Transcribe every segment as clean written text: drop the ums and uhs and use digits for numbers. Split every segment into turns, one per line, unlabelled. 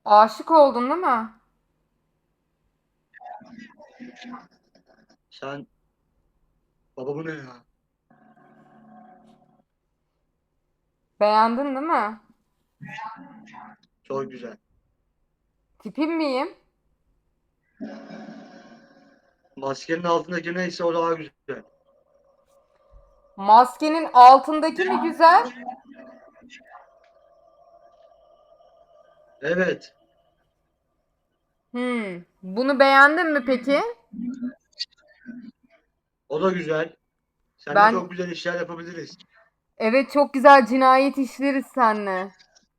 Aşık oldun değil mi?
Sen baba bu ne ya?
Beğendin değil mi?
Çok güzel.
Tipim miyim?
Maskenin altındaki neyse o daha güzel.
Maskenin altındaki mi güzel?
Evet,
Bunu beğendin mi peki?
o da güzel. Seninle
Ben
çok güzel işler yapabiliriz.
evet çok güzel cinayet işleriz seninle.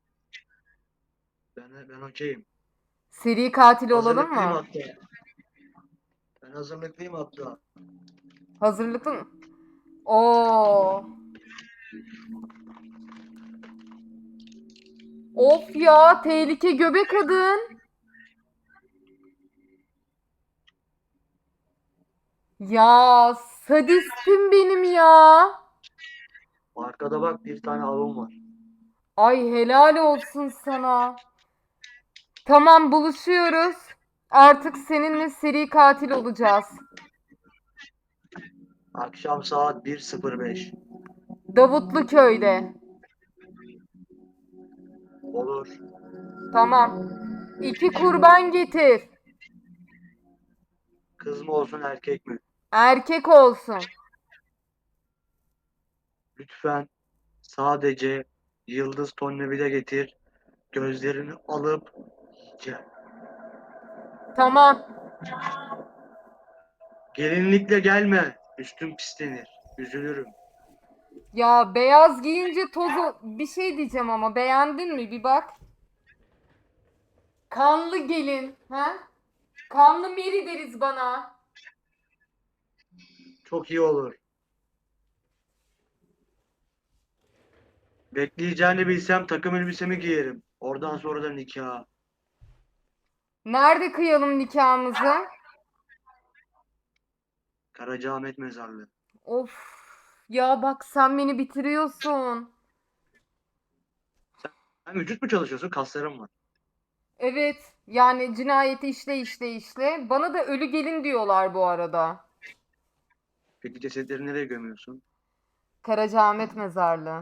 Ben okeyim.
Seri katil olalım
Hazırlıklıyım
mı?
hatta. Ben hazırlıklıyım hatta.
Hazırlıklı mı? Oo. Of ya tehlike göbek kadın. Ya sadistim benim ya.
Arkada bak bir tane avım var.
Ay helal olsun sana. Tamam buluşuyoruz. Artık seninle seri katil olacağız.
Akşam saat 1:05.
Davutlu köyde.
Olur.
Tamam. 2 kurban getir.
Kız mı olsun erkek mi?
Erkek olsun.
Lütfen sadece yıldız tonnevide getir. Gözlerini alıp yiyeceğim.
Tamam.
Gelinlikle gelme. Üstüm pislenir. Üzülürüm.
Ya beyaz giyince tozu bir şey diyeceğim ama beğendin mi? Bir bak. Kanlı gelin. Ha? Kanlı Meri deriz bana.
Çok iyi olur. Bekleyeceğini bilsem takım elbisemi giyerim. Oradan sonra da nikah.
Nerede kıyalım nikahımızı?
Karacaahmet mezarlığı.
Of. Ya bak sen beni bitiriyorsun.
Sen vücut mu çalışıyorsun? Kaslarım var.
Evet. Yani cinayeti işle. Bana da ölü gelin diyorlar bu arada.
Peki cesetleri nereye gömüyorsun?
Karacaahmet mezarlığı.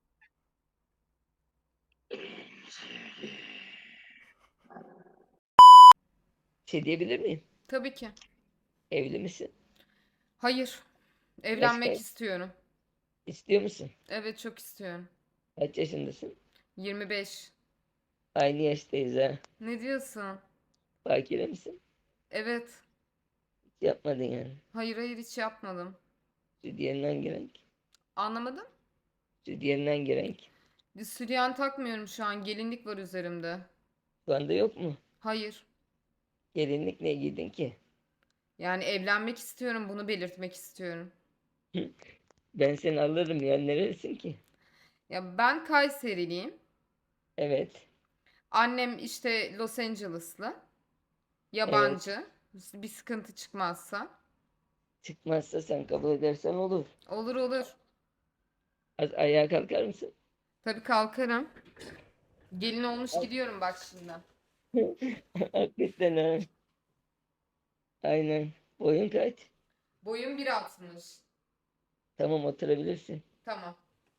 Şey diyebilir miyim?
Tabii ki.
Evli misin?
Hayır.
Yaş
Evlenmek
kaç?
istiyorum.
İstiyor musun?
Evet çok istiyorum.
Kaç yaşındasın?
25.
Aynı yaştayız ha.
Ne diyorsun?
Bakire misin?
Evet.
Hiç yapmadın yani.
Hayır hiç yapmadım.
Sütyenin hangi renk?
Anlamadım.
Sütyenin hangi renk?
Sütyen takmıyorum şu an. Gelinlik var üzerimde.
Şu anda yok mu?
Hayır.
Gelinlik ne giydin ki?
Yani evlenmek istiyorum. Bunu belirtmek istiyorum.
Ben seni alırım ya. Nerelisin ki?
Ya ben Kayseriliyim.
Evet.
Annem işte Los Angeles'lı.
Evet.
Yabancı. Bir sıkıntı çıkmazsa.
Çıkmazsa sen kabul edersen olur.
Olur olur.
Az ayağa kalkar mısın?
Tabii kalkarım. Gelin olmuş gidiyorum bak şimdi.
Hakikaten ha. Aynen. Boyun kaç?
Boyum 1,60.
Tamam oturabilirsin.
Tamam.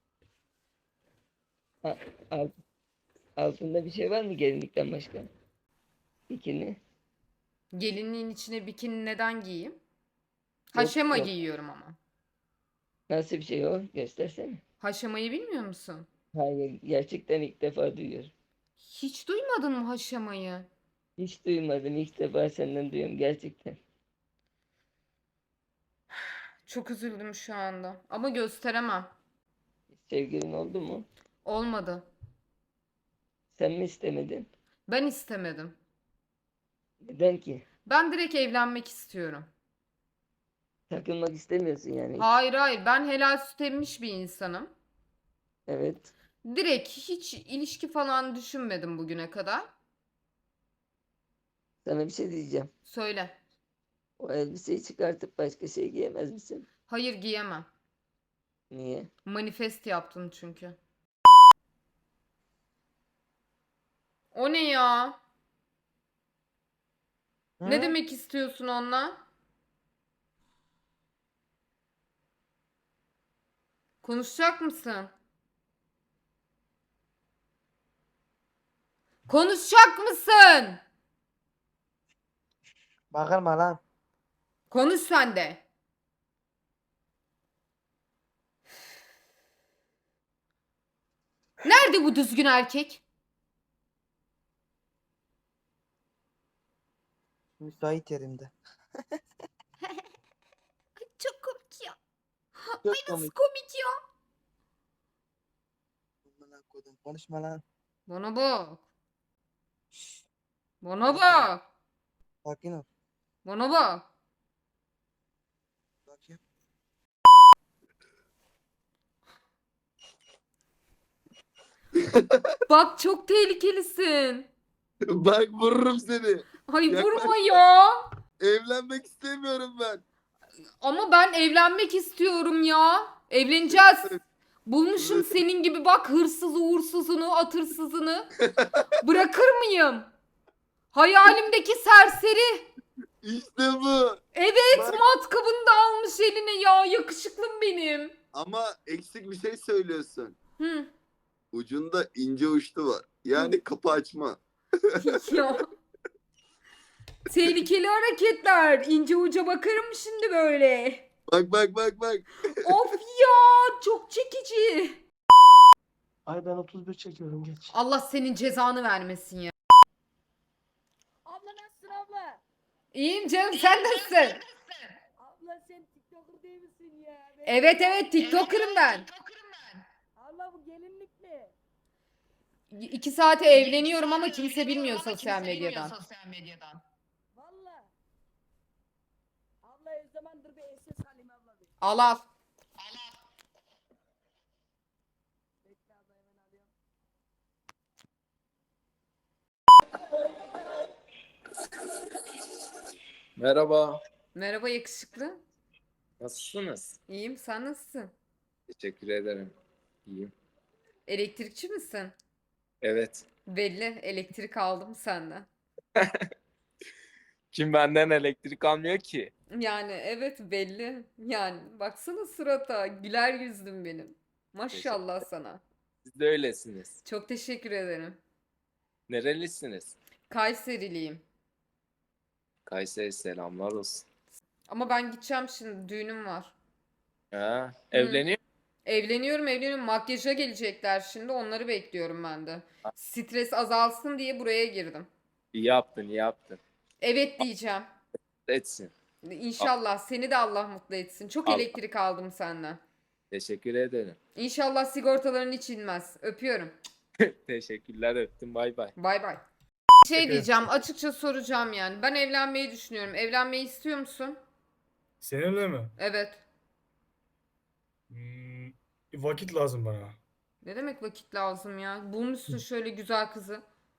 A- alt- Altında bir şey var mı gelinlikten başka? Bikini?
Gelinliğin içine bikini neden giyeyim?
Yok
Haşema
yok.
giyiyorum ama.
Nasıl bir şey o? Göstersene.
Haşemayı bilmiyor musun?
Hayır, gerçekten ilk defa duyuyorum.
Hiç duymadın mı haşemayı?
Hiç duymadım, ilk defa senden duyuyorum gerçekten.
Çok üzüldüm şu anda. Ama gösteremem.
Sevgilin oldu mu?
Olmadı.
Sen mi istemedin?
Ben istemedim.
Neden ki?
Ben direkt evlenmek istiyorum.
Takılmak istemiyorsun yani hiç.
Hayır ben helal süt emmiş bir insanım.
Evet.
Direkt hiç ilişki falan düşünmedim bugüne kadar.
Sana bir şey diyeceğim.
Söyle.
O elbiseyi çıkartıp başka şey giyemez misin?
Hayır giyemem.
Niye?
Manifest yaptın çünkü. O ne ya? Ne demek istiyorsun onunla? Konuşacak mısın? Konuşacak mısın?
Bağırma lan.
Konuş sen de. Nerede bu düzgün erkek?
Müsait yerimde.
Çok komik ya.
Çok
Nasıl
komik.
komik ya?
Amına koydum. Konuşma lan.
Bana bak. Bana bak.
Sakin ol.
Bana bak.
Bakayım.
Bak çok tehlikelisin.
Bak vururum seni.
Ay
Yaklaş.
vurma ya.
Evlenmek istemiyorum ben.
Ama ben evlenmek istiyorum ya. Evleneceğiz. Bulmuşum
Evet.
senin gibi bak hırsız uğursuzunu, atırsızını. Bırakır mıyım? Hayalimdeki serseri.
İşte bu.
Evet,
Bak.
matkabını da almış eline ya. Yakışıklım benim.
Ama eksik bir şey söylüyorsun.
Hı.
Ucunda ince uçlu var. Yani kapı açma.
Ya. Tehlikeli hareketler. İnce uca bakarım şimdi böyle.
Bak bak bak bak.
Of ya, çok çekici.
Ay ben 31 çekiyorum geç.
Allah senin cezanı vermesin ya.
Abla nasılsın abla?
İyiyim canım, sen nasılsın?
Abla sen TikToker değil misin ya?
Evet evet, TikToker'ım ben.
Abla bu gelinlik mi?
2 saate evleniyorum ama kimse bilmiyor sosyal medyadan.
Valla. Abla o zaman dur bir SS alayım abla bir.
Al al.
Bekle abla hemen alıyorum.
Merhaba.
Merhaba yakışıklı.
Nasılsınız?
İyiyim, sen nasılsın?
Teşekkür ederim. İyiyim.
Elektrikçi misin?
Evet.
Belli, elektrik aldım senden.
Kim benden elektrik almıyor ki?
Yani evet belli. Yani baksana surata, güler yüzlüm benim. Maşallah sana.
Siz de öylesiniz.
Çok teşekkür ederim.
Nerelisiniz?
Kayseriliyim.
Kayseri selamlar olsun.
Ama ben gideceğim şimdi, düğünüm var.
Ha, evleniyor.
Evleniyorum. Makyaja gelecekler şimdi, onları bekliyorum ben de. Stres azalsın diye buraya girdim.
İyi yaptın, iyi yaptın.
Evet diyeceğim.
Etsin.
İnşallah seni de Allah mutlu etsin. Çok
Allah.
elektrik aldım senden.
Teşekkür ederim.
İnşallah sigortaların hiç inmez. Öpüyorum.
Teşekkürler, öptüm. Bay bay.
Bay bay. Şey diyeceğim, açıkça soracağım yani. Ben evlenmeyi düşünüyorum. Evlenmeyi istiyor musun?
Seninle mi?
Evet.
Vakit lazım bana.
Ne demek vakit lazım ya? Bulmuşsun şöyle güzel kızı.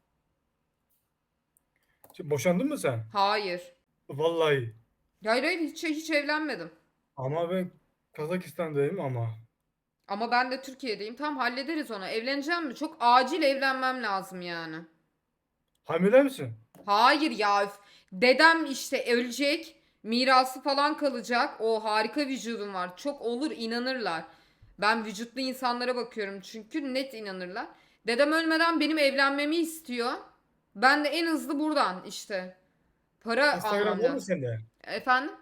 Boşandın mı sen?
Hayır.
Vallahi.
Hayır hiç evlenmedim.
Ama ben Kazakistan'dayım ama.
Ama ben de Türkiye'deyim. Tamam hallederiz onu. Evleneceğim mi? Çok acil evlenmem lazım yani.
Hamile misin?
Hayır ya. Dedem işte ölecek. Mirası falan kalacak. O harika vücudum var. Çok olur inanırlar. Ben vücutlu insanlara bakıyorum çünkü net inanırlar. Dedem ölmeden benim evlenmemi istiyor. Ben de en hızlı buradan işte. Para
Instagram
almam
var mı
lazım.
sende?
Efendim?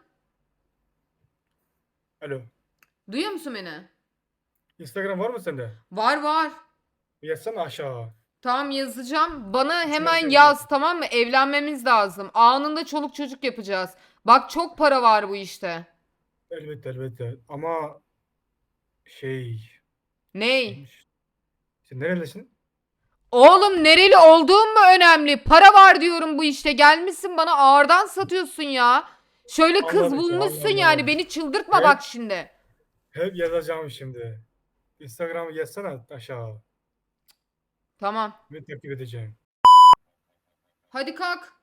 Alo.
Duyuyor musun beni?
Instagram var mı sende?
Var.
Yazsana aşağı.
Tamam yazacağım. Bana hemen
yazıyorum.
yaz tamam mı? Evlenmemiz lazım. Anında çoluk çocuk yapacağız. Bak çok para var bu işte.
Elbette. Ama şey...
Ney?
Sen nerelisin?
Oğlum nereli olduğum mu önemli? Para var diyorum bu işte. Gelmişsin bana ağırdan satıyorsun ya. Şöyle kız
Anladım,
bulmuşsun
anladım.
yani. Beni çıldırtma
Evet.
bak şimdi.
Hep yazacağım şimdi. Instagram'ı yazsana aşağı.
Tamam.
Ben takip edeceğim.
Hadi kalk.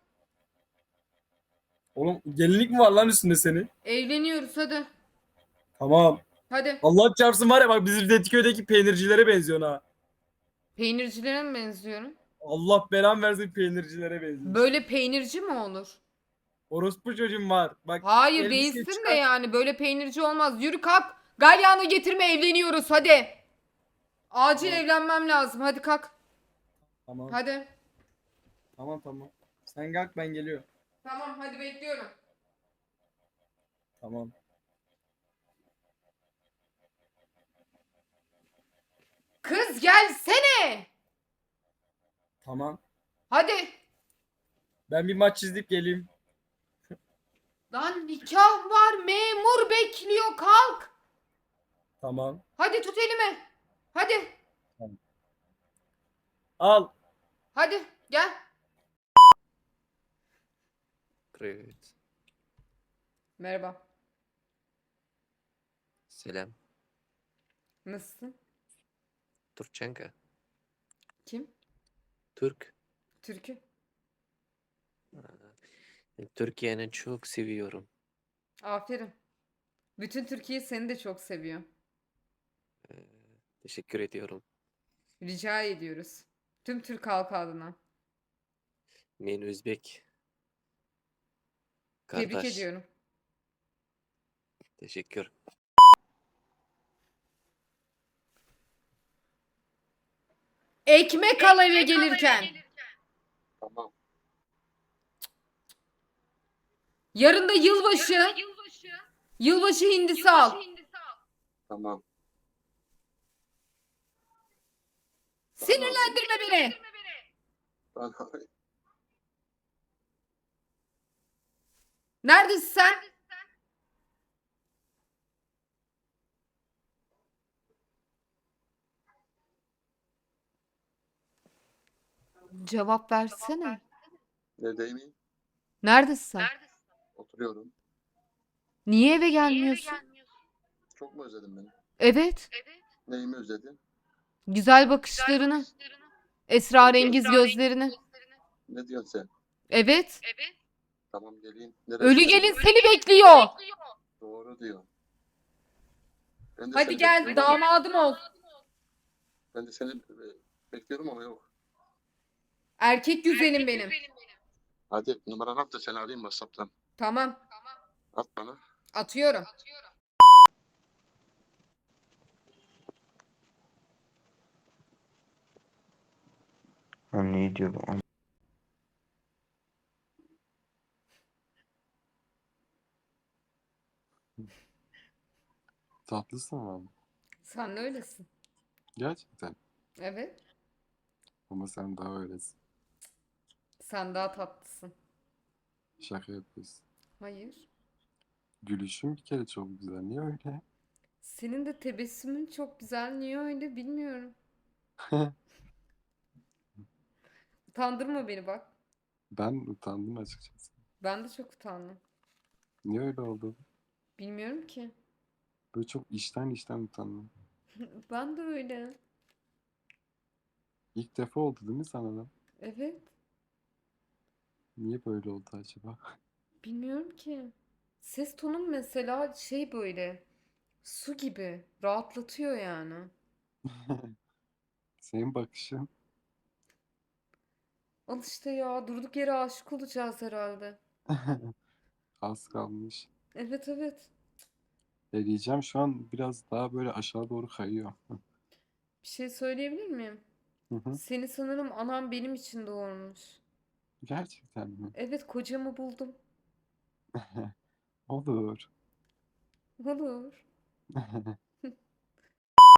Oğlum gelinlik mi var lan üstünde senin?
Evleniyoruz hadi.
Tamam.
Hadi.
Allah çarpsın var ya bak bizim Tetiköy'deki peynircilere benziyorsun ha.
Peynircilere mi benziyorum?
Allah belan versin peynircilere benziyorsun.
Böyle peynirci mi olur?
Orospu çocuğum var. Bak
Hayır
elbise
değilsin de
çıkar.
yani böyle peynirci olmaz. Yürü kalk. Galyanı getirme evleniyoruz hadi. Acil
Tamam.
evlenmem lazım. Hadi kalk.
Tamam.
Hadi.
Tamam. Sen kalk ben geliyorum.
Tamam hadi bekliyorum.
Tamam.
Kız gelsene.
Tamam.
Hadi.
Ben bir maç izleyip geleyim.
Lan nikah var. Memur bekliyor. Kalk.
Tamam.
Hadi tut elimi. Hadi.
Al.
Hadi gel.
Привет.
Merhaba.
Selam.
Nasılsın?
Turçenka.
Kim?
Türk.
Türkü.
Türkiye'ni çok seviyorum.
Aferin. Bütün Türkiye seni de çok seviyor.
Ee, Teşekkür ediyorum.
Rica ediyoruz. Tüm Türk halkı adına.
Ben Özbek.
Tebrik
Kardeş.
ediyorum.
Teşekkür.
Ekmek al eve gelirken.
Tamam.
Yarın da yılbaşı. Yılbaşı hindisi al.
Tamam.
Sinirlendirme beni.
Ben
Neredesin sen? Cevap versene.
neredeyim?
Neredesin sen?
Oturuyorum.
Niye eve gelmiyorsun?
Çok mu özledin beni?
Evet.
Neyimi özledin?
Güzel bakışlarını. Esrarengiz gözlerini.
Ne diyorsun sen?
Evet.
Tamam geleyim. Neresi?
Ölü gelin seni bekliyor.
Doğru diyor. Ben de
Hadi
seni
gel
bekliyorum ama-
damadım ol.
Ben de seni bekliyorum ama yok.
Erkek güzelim benim.
Hadi numaranı at da seni arayayım WhatsApp'tan.
Tamam.
At bana.
Atıyorum.
Ne diyor bu?
Tatlısın ama.
Sen de öylesin.
Gerçekten.
Evet.
Ama sen daha öylesin.
Sen daha tatlısın.
Şaka yapıyorsun.
Hayır.
Gülüşün bir kere çok güzel. Niye öyle?
Senin de tebessümün çok güzel. Niye öyle bilmiyorum. Utandırma beni bak.
Ben utandım açıkçası.
Ben de çok utandım.
Niye öyle oldu?
Bilmiyorum ki.
Böyle çok içten utandım.
Ben de öyle.
İlk defa oldu değil mi sana da?
Evet.
Niye böyle oldu acaba?
Bilmiyorum ki. Ses tonum mesela şey böyle. Su gibi. Rahatlatıyor yani.
Senin bakışın.
Al işte ya. Durduk yere aşık olacağız herhalde.
Az kalmış.
Evet.
Eleyeceğim şu an biraz daha böyle aşağı doğru kayıyor.
Bir şey söyleyebilir miyim?
Hı hı.
Seni sanırım anam benim için doğurmuş.
Gerçekten mi?
Evet kocamı buldum.
Olur.
Olur.